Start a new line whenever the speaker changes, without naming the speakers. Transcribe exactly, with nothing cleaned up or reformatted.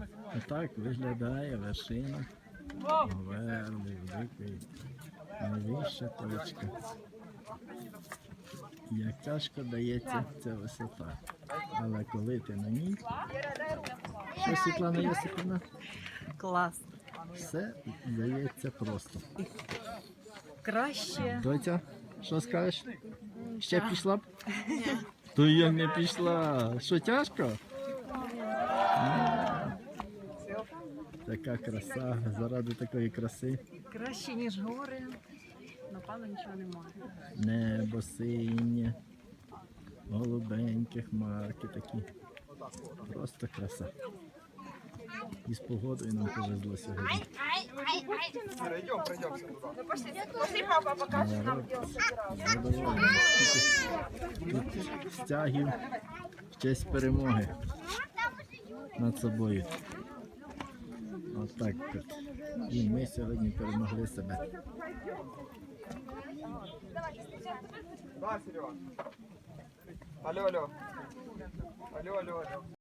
Отак виглядає вершина Говерли, великої, найвища точка. Як тяжко дається ця висота. Але коли ти на ній, що, Світлана Йосипівна?
Клас.
Все дається просто.
Краще.
Доця, що скажеш? Ще пішла б? То я не пішла. Що, тяжко? Така краса, заради такої краси.
Краще, ніж гори. Напевно, нічого немає.
Небо синє, голубенькі хмарки такі. Просто краса. І з погодою нам повезло сьогодні. Народ задоволений. Тут стягів в честь перемоги над собою. Отак от. І ми сьогодні перемогли себе.
Да, Серега. Алло, алло. Алло, алло, алло.